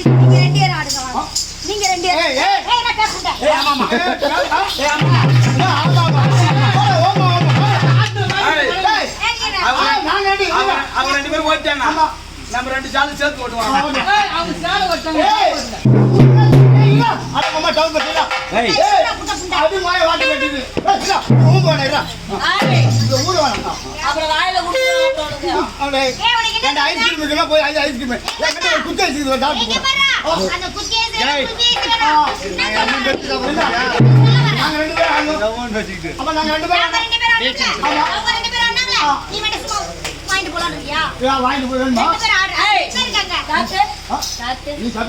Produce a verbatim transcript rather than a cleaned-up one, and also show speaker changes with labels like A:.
A: நீங்க ரெண்டு பேரும் ஆடுங்க வாங்க. நீங்க ரெண்டு பேரும் ஏய் ஏய் ஏய் நான் பேசுறேன். ஏய் ஆமாமா. ஏய் ஆமா. ஆமா ஆமா. ஓமா ஓமா. ஏய் நாங்க ரெண்டு அவங்க ரெண்டு பேரும் ஓடிட்டாங்க. ஆமா. நம்ம ரெண்டு சாலு சேர்த்து ஓடுவாங்க. ஏய் அவங்க சாலு ஓடுறாங்க. ஏய் இல்ல அட மாமா டவுன் பண்ணிடா. ஏய் அது வாய் வாட்டி கட்டிது. ஏய் இல்ல ஊம் போடறா. ஆரே இந்த ஊரு வாடா. அப்புறம் வாயில குடுங்க. அவளே அந்த ஐஸ்கிரீம் இருக்குல போய் அந்த ஐஸ்கிரீம். ஏய் கிட்ட ஒரு குச்சி ஐஸ்கிரீம் சாப்பிடு. இங்க பாரு. அந்த குச்சி ஐஸ்கிரீம் குச்சி ஐஸ்கிரீம். நாங்க ரெண்டு பேரும் ஆங்க. டவுன் வச்சிட்டு. அப்ப நாங்க ரெண்டு பேரும் நாங்க ரெண்டு பேரும் ஆங்க. அவங்க ரெண்டு பேரும் ஆனாங்க. நீ மட்டும் சும்மா வாங்கிட்டு போலாம்ன்றியா? ஏய் வாங்கிட்டு போறேன். ரெண்டு பேரும் ஆடு. ஏய் இருக்காங்க. காத்து. காத்து. நீ